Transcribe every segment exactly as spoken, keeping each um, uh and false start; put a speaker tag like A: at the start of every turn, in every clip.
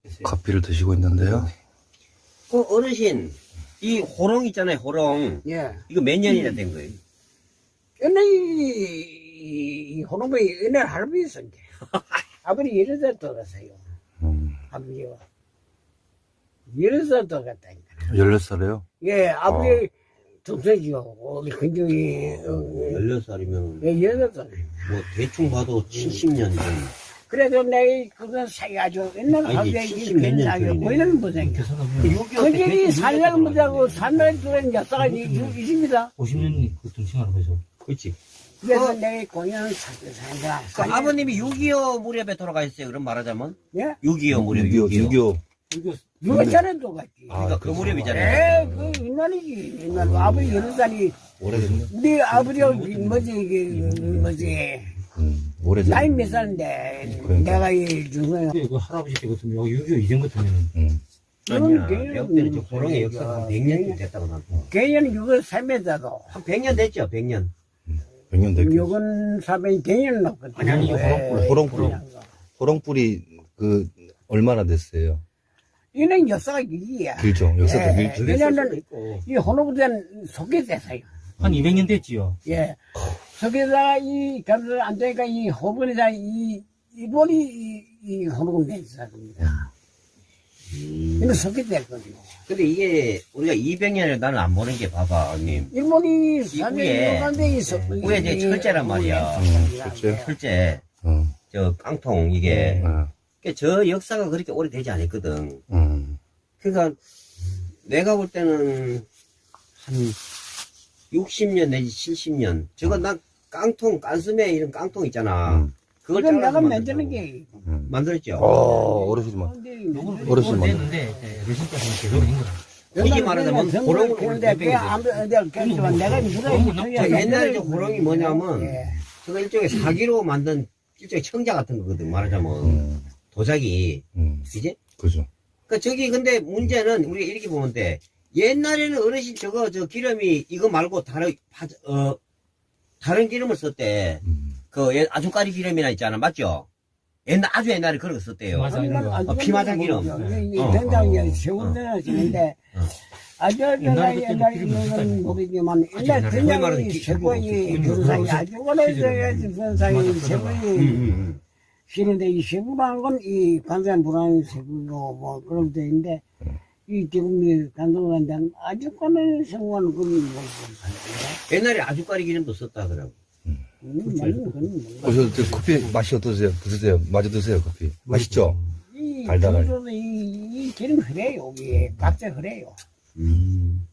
A: 커피를 드시고 있는데요.
B: 그 어르신, 이 호롱 있잖아요, 호롱.
C: 예.
B: 이거 몇 년이나 된 거예요?
C: 옛날 이, 이 호놈이 옛날 할아버지 있었는데. 아버지 여러 살 돌아갔어요.
A: 음,
C: 아버지가. 여러 살 돌아갔다니까.
A: 열몇 살이에요?
C: 예, 아버지
A: 어.
C: 동생이요. 우리 근정이, 어,
B: 열여섯 살이면,
C: 예, 여러 살.
B: 뭐, 대충 봐도 칠십 년 전.
C: 그래도 내가 그거 사가지고 옛날
B: 아니,
C: 갑자기
B: 칠십 몇 년
C: 사고
B: 전이네.
C: 거기는 못 생겨. 그들이 살려는 못하고 산날 들어온 역사가 있습니다.
D: 오십 년이 그 등신하는 거죠.
B: 그렇지.
C: 그래서
B: 어.
C: 내가 공연을 찾고 산다.
B: 그 아버님이 육이오 무렵에 돌아가셨어요, 그럼 말하자면?
C: 예?
B: 육이오 무렵,
A: 육이오, 육이오.
C: 누가 전에도 갔지.
B: 그러니까 그
A: 그렇죠.
B: 무렵이잖아요.
C: 에, 그 옛날이지. 옛날 아버지 여러 살이
A: 오래됐네.
C: 우리 아버지가 뭐지 이게 뭐지
A: 음, 오래됐네.
C: 나이 몇 살인데
A: 그러니까.
C: 내가 이 중에
D: 그 할아버지 때 같으면 여기 육이오 이전 같으면은
A: 음,
B: 아니야.
C: 개년,
B: 내가 때는 저 호롱의 역사가 한 백 년 됐다고 나도.
C: 개년 육을 삼에다도
B: 한 백 년 됐죠, 백 년.
A: 백 년 됐겠지.
C: 육은 사백 개년 넘거든.
D: 아니, 아니, 이거 호롱불,
A: 호롱불. 호롱불이 그 얼마나 됐어요?
C: 이는 역사가 길이야.
A: 길죠. 역사도
C: 예.
A: 길죠.
C: 왜냐면
B: 있고.
C: 이 혼호부대는 속에됐어요.
D: 한 이백 년 됐지요.
C: 예. 속에다가 이 감사를 안 되니까 이 호분에다 이 일본이 이, 이 혼호부대 있었습니다. 이는 속에됐거든요.
B: 근데 이게 우리가 이백 년을 나는 안 보는 게 봐봐, 형님.
C: 일본이
B: 위에,
C: 사면 간데 있어.
B: 위에 이제 철제란 말이야.
A: 음, 철제.
B: 실제
A: 어,
B: 저 깡통 이게
A: 어,
B: 그러니까 저 역사가 그렇게 오래되지 않았거든.
A: 음,
B: 그러니까 내가 볼 때는 한 육십 년 내지 칠십 년. 저거 나 깡통, 깐스매 이런 깡통 있잖아.
A: 음.
B: 그걸
C: 이건
B: 잘라서
C: 내가
B: 만들자고.
C: 만드는 게.
A: 음.
B: 만들었죠.
A: 어, 어르신만.
D: 요거는
A: 어르신
D: 오래
A: 만나.
D: 됐는데 어르신께서는 계속 있는 거야.
B: 이게 말하자면 호롱을
C: 그런데
B: 오래
C: 그 아무 내가 그랬지만 내가
D: 호롱은
C: 물어
B: 저 옛날에 저 호롱이 뭐냐면
C: 예.
B: 저거 일종의 사기로 만든 일종의 청자 같은 거거든, 말하자면.
A: 음,
B: 도자기.
A: 음,
B: 그지?
A: 그죠.
B: 그 저기 근데 문제는 우리가 이렇게 보면 돼. 옛날에는 어르신 저거 저 기름이 이거 말고 다른 파- 어 다른 기름을 썼대.
A: 음,
B: 그 옛- 아주까리 기름이나 있잖아, 맞죠? 옛날 아주 옛날에 그런 거 썼대요.
D: 맞아.
B: 어, 피마장 기름. 어,
C: 된장이
B: 어,
C: 세운데나 지는데
B: 어.
C: 아주
D: 옛날에
C: 옛날
D: 그때는
C: 옛날
D: 기름이
C: 이거는 모르지만
D: 아주
C: 옛날
D: 옛날에
B: 소위 말하는
C: 된장이
B: 기-
C: 세권이
D: 기름이
C: 변상이
D: 없어.
C: 아주 오래돼야
D: 맞아,
C: 변상이
D: 맞아.
B: 음,
C: 세권이
B: 음,
C: 싫은데 이 세부라는 건 이 관세한 불안한 세부고 뭐 그런 데 있는데 이 지금 이 간동한데 아주 꺼내 생활은 그건 뭐
B: 음. 옛날에 아주까리 기름도 썼다 하더라고.
C: 음, 맞는 그건
A: 어, 저, 저 커피 맛이 어떠세요? 드세요. 마저 드세요, 커피. 맛있죠?
C: 이
A: 달달하게.
C: 달달하게 이, 이 기름 흐려요 이게 각자 흐려요.
B: 음.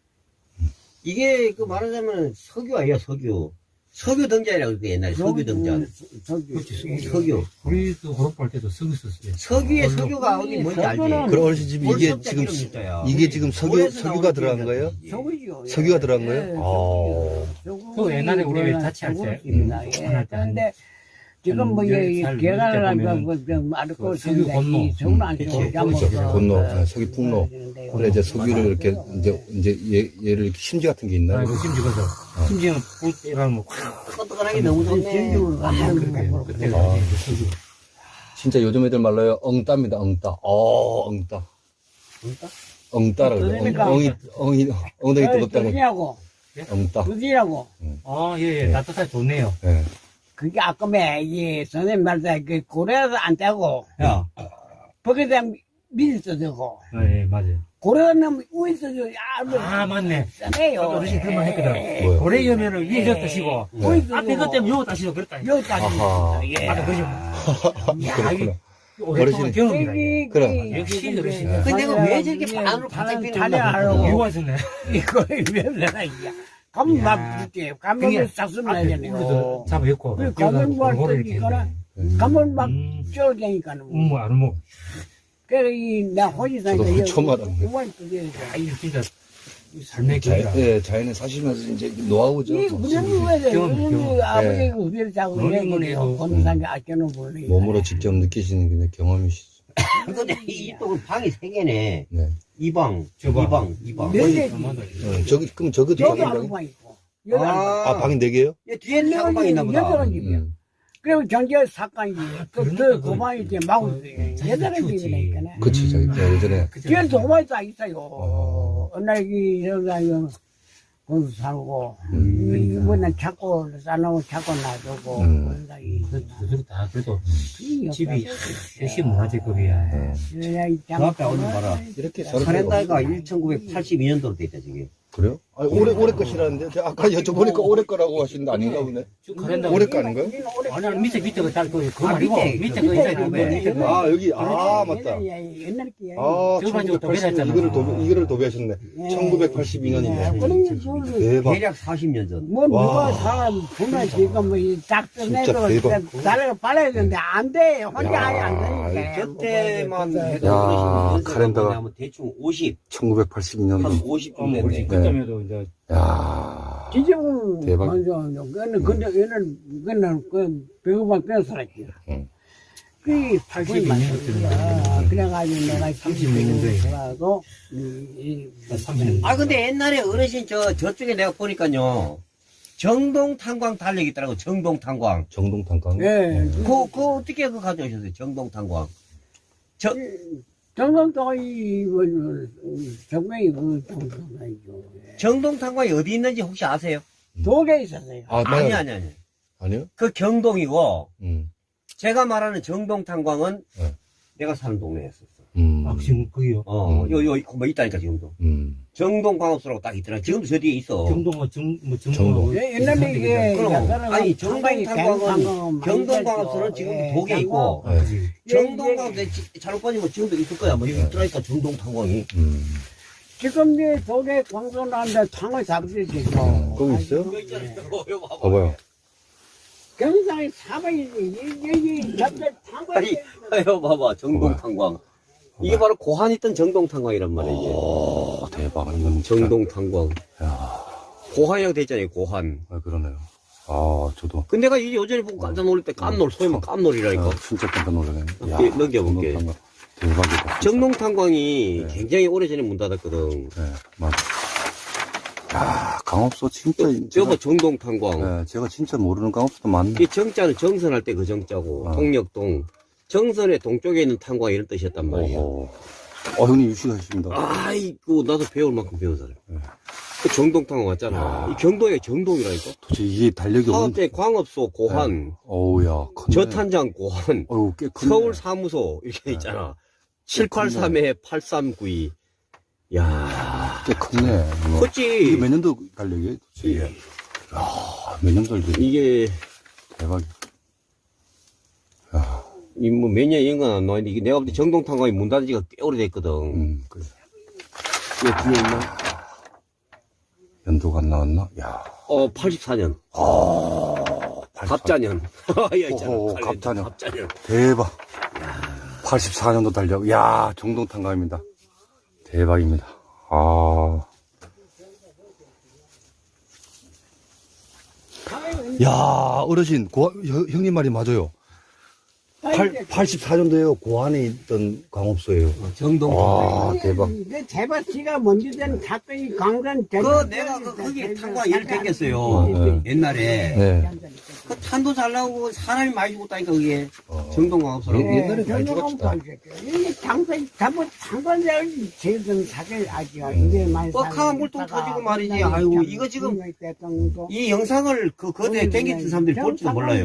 B: 이게 그 말하자면 석유 아니야, 석유. 석유 등자라고 그래, 옛날에 석유 등자.
C: 석유.
D: 그렇지,
B: 석유.
D: 우리도 호롱할 때도 쓰고 있었어요.
B: 석유에
D: 얼로.
B: 석유가 어디 뭔지 알지?
C: 석유는
A: 그럼 어르신 집에 이게
B: 월석자
A: 지금,
B: 기름 있어요.
A: 이게 지금 석유,
B: 올해서
A: 석유가
B: 나오는
A: 들어간
B: 기름이야.
A: 거예요?
C: 석유죠.
A: 석유가 들어간 거예요?
C: 예,
A: 아.
C: 석유.
D: 그 옛날에 우리
C: 석유는
D: 자취할 때,
C: 석유입니다.
D: 음,
C: 예.
D: 자취할 때
C: 그런데 지금 뭐,
D: 한
C: 예,
D: 열 살
C: 계란을
D: 때
C: 하고,
D: 보면은
C: 그, 말고,
D: 그 석유 건노.
C: 석유는 안
B: 그치.
C: 쓰고,
A: 그렇죠. 분노, 아, 석유 풍로.
C: 네.
A: 그래, 이제 석유를 이렇게, 이제, 이제 얘, 얘를 이렇게 심지 같은 게 있나요?
D: 아이고 심지 가서 심지어는 불이라는 뭐 확.
B: 끄떡하게 너무 좋네.
C: 진주를 만드는 거.
D: 그때
A: 아.
D: 석유.
A: 진짜 요즘 애들 말로요, 엉따입니다, 엉따. 어, 엉따. 엉따라 그래.
C: 그러니까.
A: 엉, 엉이, 엉이, 엉덩이 뜨겁다고.
C: 그지냐고,
A: 엉따.
C: 그지냐고.
D: 아, 예, 예. 따뜻하게 좋네요.
A: 예.
C: 그게 아까매, 이, 선생님 말대, 그, 고래도 안 떼고,
B: 야,
C: 거기에 대한 미리 써주고,
D: 예, 예, 맞아요.
C: 고래는 위에 써주고, 야, 뭐,
D: 아, 맞네.
C: 싸네요.
D: 어르신 그런 말 했거든.
A: 뭐요?
D: 고래 여면은 위에 저 따시고,
C: 위에
D: 앞에 것 때문에 요거 따시고 그랬다.
C: 여기까지.
A: 아하.
C: 예.
D: 맞아, 그죠.
A: 그렇구나.
D: 오랫동안
A: 어르신.
D: 경험이라. 이게.
A: 그럼.
D: 역시 어르신.
A: 예.
B: 근데 내가 왜 저렇게 반으로 반짝 피는 건가?
C: 자냐하고
D: 이유가 있었네.
C: 이거 왜 그러나 이게 가면
D: 야.
C: 막 줄게 가면 싹 쓰면
D: 앞에
C: 되잖아요.
D: 우리도 잡아였고.
C: 그 가면 뭐
D: 골고루
C: 또
D: 이렇게
C: 이거나
D: 했네.
C: 가면 막
D: 음.
C: 쫄게니까는
D: 음, 뭐, 안 먹어.
C: 그래 이나 호지산에
A: 저도 처음 알았네.
D: 아, 이거 진짜 삶의
A: 자,
D: 길이라.
A: 예, 자연에 사시면서 이제 노하우죠.
C: 이 우리는 왜 그래?
D: 경험,
C: 우리는
D: 경험.
C: 아버지가 우리를 자고
D: 노는
C: 그래요.
D: 거네요.
C: 본산에 아껴놓은 분이
A: 몸으로 직접 느끼시는 그냥 경험이시죠.
B: 근데 이 이쪽은 방이 세 개네.
A: 네.
B: 이 방,
D: 저 방.
B: 이 방, 이 방.
C: 네
B: 어디-
C: 개지.
A: 어, 저기, 그럼 저것도
C: 여기
A: 작은
C: 한
A: 방이?
C: 방 있고 여기 한 방.
A: 아, 방이 네 개요?
B: 얘 뒤에는 작은 방이 있나 보다.
C: 여덟 집이야.
A: 음.
C: 그리고 경제 사건이 그,
D: 그러니까
C: 그,
D: 그-
C: 그만이 이제 마구
D: 그-
C: 예전에
D: 키우지.
C: 집이니까.
A: 그치, 저기, 저 예전에.
C: 뒤에도 오만이 다 있어요.
A: 어.
C: 어느 날, 이, 여기가, 이거, 공수 살고,
A: 음.
C: 이번에 자꾸 싸놓고 자꾸 놔두고,
A: 음.
C: 그러니까 이,
D: 그, 그들 다 그래도
C: 이
D: 집이
C: 없다고.
D: 역시 문화재급이야.
A: 어.
C: 그래야 이
B: 그 앞에 오늘 봐라.
A: 이렇게
B: 카렌다가 천구백팔십이 년도로 돼 있다, 저게.
A: 그래요? 아니, 올해, 올해 것이라는데. 제가 아까 여쭤보니까 올해 거라고 하시는데 아닌가 보네.
D: 쭉 가랜다.
A: 올해 거 아닌가요?
D: 아니, 아니, 밑에, 밑에 그, 잘, 그, 그거
B: 아,
D: 말고,
B: 밑에,
D: 밑에
B: 그
D: 그,
B: 밑에
D: 있잖아.
B: 그
D: 그 밑에 그.
A: 아, 여기, 아, 맞다.
C: 옛날 게.
A: 아,
D: 저거 가지고
A: 천구백팔십 년,
D: 도배했잖아.
A: 이거를 도배, 이거를 도배하셨네. 천구백팔십이 년이네. 대박.
B: 대략 사십 년 전.
C: 뭐,
A: 와.
C: 누가 사람 보면 지금 뭐, 이 짝전에도
A: 진짜 대박.
C: 나를 빨아야 되는데 안 돼. 혼자
A: 야,
C: 아예 안 되니까.
B: 저때만
C: 뭐,
B: 해도
A: 야,
B: 어르신이
A: 카렌다가.
B: 하면 대충 오십,
A: 천구백팔십이 년도.
B: 한 오십
D: 어,
B: 쯤
D: 뭐,
B: 됐네.
D: 그때면도 이제,
A: 야
C: 지금
A: 대박.
C: 먼저 그는 근데 얘는 그는 그 배우만 끊어 살았지.
A: 응.
C: 그
D: 팔십이
C: 팔십이
D: 년도쯤
C: 년도야. 그래가지고 내가
D: 삼십 몇 년도에.
C: 살아도 이
D: 삼십 년.
B: 아, 근데 옛날에 어르신 저, 저쪽에 내가 보니까요. 정동 탄광 달력 있더라고, 정동 탄광.
A: 정동 탄광.
C: 예.
B: 그, 그 어떻게 그 가져오셨어요, 정동 탄광? 저,
C: 정성도 이뭐 정명이 그 정성이죠.
B: 정동 탄광이 어디 있는지 혹시 아세요?
C: 도에 있었어요.
A: 아,
B: 아니,
A: 맞아요.
B: 아니, 아니.
A: 아니요?
B: 그 경동이고,
A: 음.
B: 제가 말하는 정동 탄광은
A: 네.
B: 내가 사는 동네에 있었어.
A: 음.
D: 아, 지금 거기요.
B: 어,
A: 음.
B: 요, 요, 뭐 있다니까, 지금도.
A: 음.
B: 정동광업소라고 딱 있더라. 지금도 저 뒤에 있어.
D: 정동은 정, 뭐,
A: 정동.
D: 정동.
C: 예, 옛날에 이게
B: 그럼,
C: 약간은
B: 아니,
C: 상당히
B: 정동탄광은,
C: 갱상은 많이
B: 경동광업소는
C: 됐죠.
B: 지금도
C: 예,
B: 독에 있고,
A: 네.
D: 그지.
B: 정동광업소 잘못 빠지면 지금도 있을 거야. 뭐, 여기 있더라니까, 정동탄광이.
A: 음.
C: 지금 이제 독에 광선하는데 탕을 잡으시지.
A: 거기 있어요?
B: 이거 봐봐.
A: 봐봐요.
C: 경상에 사방이 여기 잡대 탕을
B: 아니, 이거 봐봐. 정동탄광. 이게 바로 고한 있던 정동탄광이란 말이야, 이게.
A: 오, 대박. 이건 진짜.
B: 정동탄광.
A: 야,
B: 고한이라고 돼 있잖아요, 고한.
A: 아, 그러네요. 아, 저도.
B: 근데 내가 이 여전히 보고 깜짝 놀랄 때 깜놀, 소위 말 깜놀이라니까.
A: 아, 진짜 깜짝 놀라네. 야,
B: 예, 넘겨볼게.
A: 정동 탄광. 대박이다. 진짜.
B: 정동탄광이
A: 네.
B: 굉장히 오래전에 문 닫았거든.
A: 네, 맞아. 야, 강업소 진짜.
B: 여보, 정동탄광.
A: 네, 제가 진짜 모르는 강업소도 많네.
B: 이 정자는 정선할 때 그 정자고,
A: 아.
B: 동력동. 정선의 동쪽에 있는 탄광 이런 뜻이었단 말이야.
A: 어, 어, 형님 유식하십니다.
B: 아이고, 나도 배울 만큼 배워서.
A: 네.
B: 그 정동탄광 왔잖아.
A: 야.
B: 이 경동에 정동이라니까.
A: 도대체 이게 달력이
B: 사업
A: 없는데.
B: 때 광업소 고한,
A: 어우야, 컸네.
B: 저탄장 고한,
A: 어우, 꽤 컸네.
B: 서울 사무소 이렇게 있잖아. 칠팔삼에 팔삼구이. 야,
A: 꽤 컸네. 이거.
B: 컸지.
A: 이게 몇 년도 달력이에요? 도대체? 야, 몇 년도 달력이
B: 이게
A: 대박이야. 야,
B: 이 뭐 몇 년 이런 건 안 나왔는데 이게 내가 볼 때 정동탄광이 문 닫은 지가 꽤 오래됐거든.
A: 음, 그래.
B: 이게 뒤에 있나?
A: 연도가 안 나왔나? 야,
B: 어, 팔십사 년.
A: 아,
B: 갑자년. 야, 있잖아.
A: 오호,
B: 칼렌더.
A: 갑자년.
B: 갑자년.
A: 대박. 팔십사 년도 달력. 야, 정동탄광입니다. 대박입니다. 아. 야, 어르신, 고, 형, 형님 말이 맞아요. 팔, 팔십사 년도에요. 고안에 있던 광업소예요.
B: 정동탄광.
A: 와, 대박.
C: 그 제바씨가 먼저 된 가까이 강산
B: 그 내가 그 거기에 탄광 일 땡겼어요.
A: 네.
B: 옛날에.
A: 네.
B: 그 탄도 잘 나오고 사람이 많이 죽었다니까 그게.
A: 어.
B: 정동광업소라고.
A: 예. 옛날에 많이 죽었다.
C: 이게 장사, 잡은 장관자를 제든 사실 아직 이제 많이
B: 뻑하면 물통 터지고 말이지. 아이고, 이거 지금 이 영상을 그 거대에 땡겼던 사람들이 볼지도 몰라요.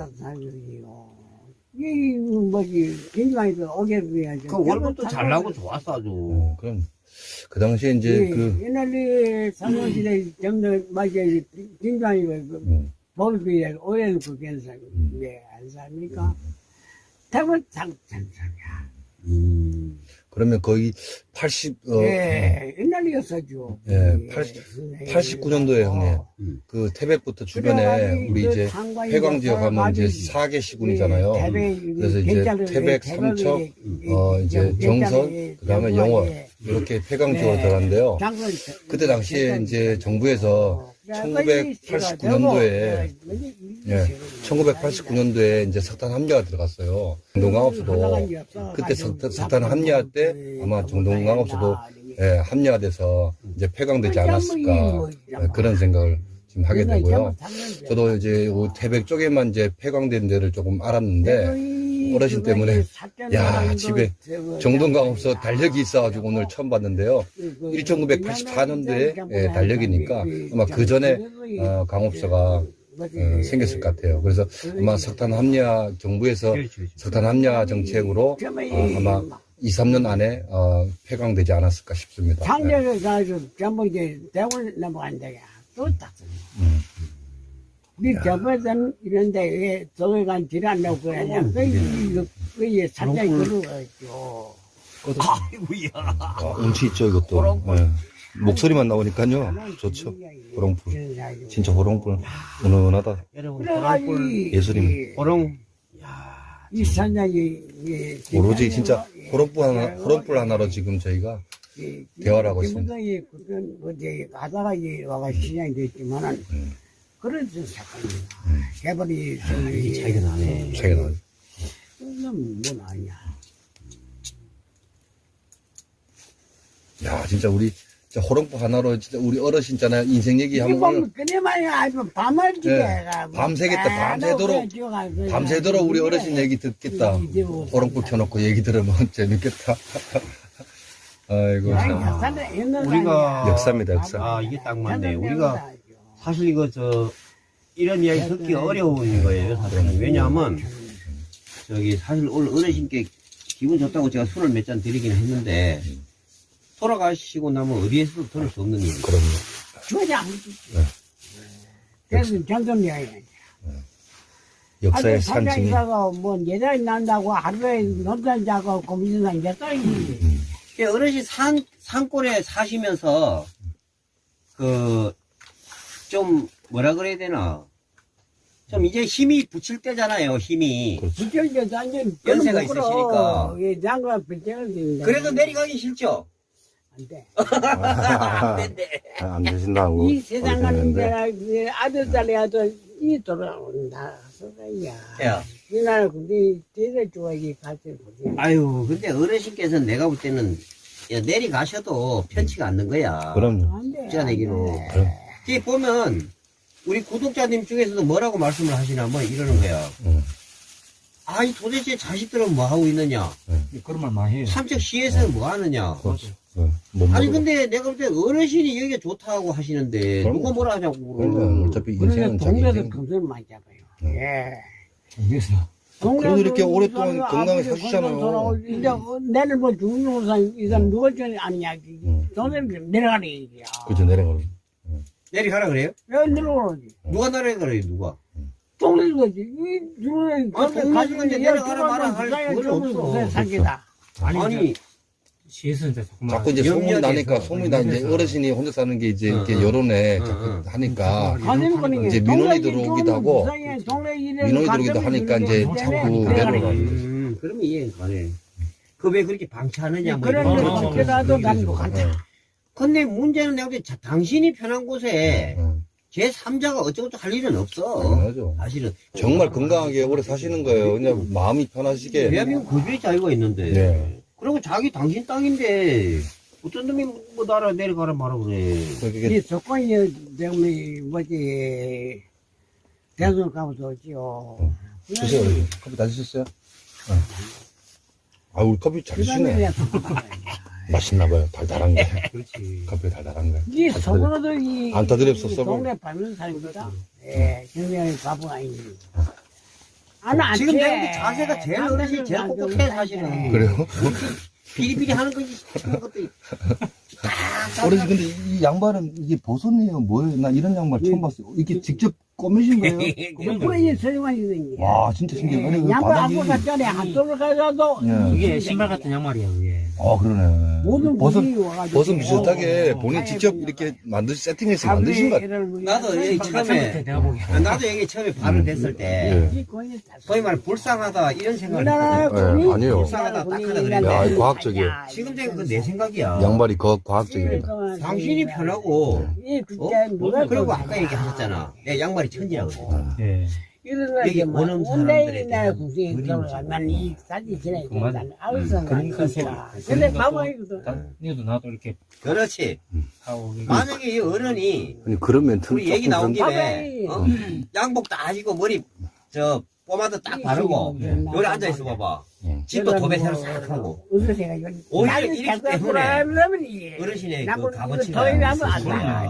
C: 이 뭐지 인간이도 오게 해야지.
B: 그 월급도 잘 나고 좋았어 아주.
A: 어, 그럼, 그 당시에 이제
C: 예,
A: 그,
C: 옛날에 삼원시대 정도 맞아 인간이고
A: 음,
C: 법에 오해는 그게서 왜안 삽니까? 대부분 장장이야.
B: 음.
A: 그러면 거의 팔십, 어,
C: 예, 옛날이었어죠.
A: 예, 팔십구 년도에 형님,
B: 음.
A: 그 태백부터 주변에 우리 이제 해광 지역 하면 이제 사 개 시군이잖아요. 그래서 이제 태백, 삼척, 어, 이제 정선, 그 다음에 영월, 이렇게 폐광 지역으로 들어갔는데요. 그때 당시에 이제 정부에서 천구백팔십구 년도에, 예, 천구백팔십구 년도에 이제 석탄 합류가 들어갔어요. 정동광업소도 그때 석탄, 석탄 합류할 때 아마 정동광업소도 예, 합류가 돼서 이제 폐광되지 않았을까 예, 그런 생각을 말씀하게 되고요. 저도 이제 태백 쪽에만 이제 폐광된 데를 조금 알았는데 어르신 때문에 야 집에 정동강 없어 달력이 있어가지고 오늘 처음 봤는데요. 천구백팔십사 년도에 예, 달력이니까 아마 그 전에 어, 강업소가 어, 생겼을 것 같아요. 그래서 아마 석탄 합리화 정부에서 석탄 합리화 정책으로 어, 아마 이, 삼 년 안에 어, 폐광되지 않았을까 싶습니다. 네.
C: 장례를 가서 전부 이제 대원 넘어간다. 또 딱.
A: 음.
C: 우리 저번에는 이런데 왜 저기 간 질안 나고 그러냐. 그, 이거, 그, 사장이 그러죠.
B: 아이고야.
A: 아, 운치 있죠, 이것도. 네. 목소리만 나오니까요. 좋죠. 호롱불. 진짜 호롱불. 은은하다.
B: 여러분,
C: 그래가지고,
B: 호롱불,
A: 예술이네.
B: 호롱.
C: 이 사장이, 예,
A: 오로지 진짜 호롱불 하나, 호롱불 하나로 지금 저희가
C: 예,
A: 대화를 하고 있습니다.
C: 김부장이 그건 어제 가다가 이제 와가 시장이 됐지만은
A: 음.
C: 그런 사건입니다.
A: 음.
C: 개발이
B: 이 차이가 나네.
A: 차이가 나요.
C: 그건 뭐 아니야.
A: 야, 진짜 우리, 진짜 호롱불 하나로 진짜 우리 어르신 있잖아요. 인생 얘기
C: 이게
A: 한번.
C: 보면 그네만이 아주 밤을
A: 네.
C: 지게가
A: 밤새겠다, 밤새도록, 밤새도록 우리 어르신 얘기 듣겠다. 호롱불 켜놓고 얘기 들으면 재밌겠다. 아이고, 참.
B: 우리가
A: 역사입니다, 역사.
B: 아, 이게 딱 맞네. 우리가 사실 이거 저 이런 이야기 듣기 어려운 거예요, 사실은. 왜냐하면 저기 사실 오늘 어르신께 기분 좋다고 제가 술을 몇 잔 드리긴 했는데 돌아가시고 나면 어디에서도 들을 수 없는 일이에요.
A: 그럼요.
C: 주어지 안 주지.
A: 네.
C: 그래서 정전이야.
A: 역사의
C: 산증
A: 산증이.
C: 이사가 뭐 예전에 난다고 하루에 논산 자고 고민산 예전이
B: 예, 어르신 산, 산골에 사시면서, 그, 좀, 뭐라 그래야 되나. 좀 이제 힘이 붙일 때잖아요, 힘이.
C: 부쩍이게 완전
B: 연세가 있으시니까.
C: 예, 장관 부쩍이
B: 그래도 내려가기 싫죠?
C: 안 돼.
B: 안 된대.
A: 아, 안 되신다고.
C: 이 세상 가는 데가 이제 아들 딸이 아들 이 돌아온다. 소리야.
B: 야.
C: 이날 근데 대대 좋아하기 같이 보지.
B: 아유, 근데 어르신께서는 내가 볼 때는, 야, 내려가셔도 편치가 않는 거야.
A: 그럼요.
C: 안 돼.
B: 진짜 내기로.
A: 그럼.
B: 뒤에 보면, 우리 구독자님 중에서도 뭐라고 말씀을 하시냐면 이러는 거야.
A: 응.
B: 아이, 도대체 자식들은 뭐 하고 있느냐?
D: 그런 말 많이 해요.
B: 삼척 시에서는 뭐 하느냐?
A: 그렇죠. 네. 못
B: 아니
A: 먹어도.
B: 근데 내가 볼 때 어르신이 여기가 좋다고 하시는데
A: 그럼요.
B: 누가 뭐라 하냐고.
A: 그러니까 어차피
C: 그래서
A: 인생은 자기
C: 동네에서
A: 인생.
C: 금술 많이 잡아요. 예.
D: 그래서
A: 그래도 이렇게
C: 동네에서
A: 오랫동안
C: 아버지
A: 건강하게
C: 건강
A: 사시잖아요.
C: 돌아올- 이제 어, 내일 뭐 죽는 사람 이 사람 누가 전에 아니냐.
A: 응.
C: 동네를 내려가는 얘기야.
A: 그죠, 내려가는.
B: 내려가라 그래요?
C: 왜 내려오는지.
B: 누가 내려가라 그래요 누가?
C: 동네 거지. 이 누구는
B: 아, 동네에서 이제 내려가라 말아 할 그건 없어.
C: 사기다.
B: 아니,
D: 아니, 시에서 이제 자꾸만
A: 자꾸 이제 소문이
B: 염려돼서.
A: 나니까, 소문이 나, 이제
D: 염려돼서.
A: 어르신이 혼자 사는 게 이제
B: 응,
A: 이렇게
B: 응.
A: 여론에
B: 응,
A: 자꾸
B: 응.
A: 하니까,
C: 가는 거는
A: 이제 민원이 들어오기도 하고, 민원이 들어오기도 하니까 이제 자꾸 내려가는
B: 음, 그러면 이해가 가네. 그 왜 그렇게 방치하느냐 뭐
C: 그런
B: 이런
D: 거
B: 거.
C: 거 그래도 난
A: 어,
C: 같아.
B: 근데 문제는 내가 볼 때 당신이 편한 곳에
A: 응,
B: 제삼자가 어쩌고저쩌고 할 일은 없어.
A: 당연하죠.
B: 사실은.
A: 정말 건강하게 오래 사시는 거예요. 그냥 마음이 편하시게.
B: 대한민국 거주의 자유가 있는데.
A: 네.
B: 그리고 자기 당신 땅인데 어떤 놈이 뭐 나라 내려가라 말아 그래.
A: 그게
C: 이 조건이 때문에 뭐지 대선 가면서 오지요.
A: 주세요. 여기. 커피 다 드셨어요? 응. 아, 우리 커피 잘 드시네. 맛있나 봐요. 달달한 게.
D: 그렇지.
A: 커피 달달한 거.
C: 이 속으로도 이
A: 안 타드렸어,
C: 이
A: 써봐.
C: 동네 밟는 사람이다. 예, 굉장히 바보가 아니지. 안, 안
B: 지금
C: 돼.
B: 내가 볼때 자세가 제일 어르신 제일 꼿꼿해 사실은.
A: 그래요?
B: 비리비리 하는 거지. 그런 것도.
A: 어르신, 근데 이 양말은 이게 버섯이에요? 뭐예요? 나 이런 양말 처음 봤어요. 이게 직접 꼬매신 거예요?
C: 그래, 설명이 있는 게.
A: 와, 진짜 신기해. 아니, 그
C: 양말
A: 바닥이.
C: 한번 갔잖아. 한쪽을 가서도.
A: 예.
D: 이게 신발 같은 양말이야, 그게.
A: 아, 그러네.
C: 모든
A: 버섯,
C: 분이 와가지고.
A: 버섯 비슷하게
C: 어,
A: 본인
C: 어,
A: 직접
C: 아예
A: 이렇게 만드시, 세팅해서 만드신 것 같아요.
B: 나도 여기 처음에
D: 내가 보기에.
B: 나도 여기 처음에 발을 댔을 때
A: 예.
B: 소위 말 불쌍하다 이런 생각을
C: 우리나라
B: 했거든.
A: 네,
C: 군이
A: 아니에요.
B: 불쌍하다, 딱하다
A: 야,
B: 그랬는데
A: 과학적이에요.
B: 지금 되면 그 내 생각이야.
A: 양말이 거, 과학적입니다.
B: 당신이 편하고
C: 이
B: 어?
C: 그때 누가
B: 그리고 아까 얘기하셨잖아. 내 양말이 천지라고. 그랬잖아.
D: 예.
B: 여기 원음 사람들에
C: 나
B: 대한
C: 국생이
B: 그림이죠.
C: 들어가면 이 사진 지나야
D: 그 맞아.
C: 된다. 아우성
D: 그러니까
C: 아니까.
D: 소-
C: 근데
D: 그러니까
C: 가만히도
D: 니도 나도 이렇게
B: 그렇지.
D: 하고 이게
B: 만약에 이 어른이
A: 아니 그런 멘트는
B: 우리 얘기
A: 조금
B: 나온
A: 그런-
B: 김에 어? 양복 다 하시고 머리 저 포마드 딱 바르고 여기 앉아 있어 봐봐. 집도 도배 새로 싹 하고
C: 어디서 제가 이거
B: 오히려
C: 나는
B: 이렇기
C: 자꾸
B: 때문에
C: 불안하면 이
B: 어르신의 그
C: 나무
B: 값어치가
C: 더 일하면 안
B: 있으시구나.
C: 돼.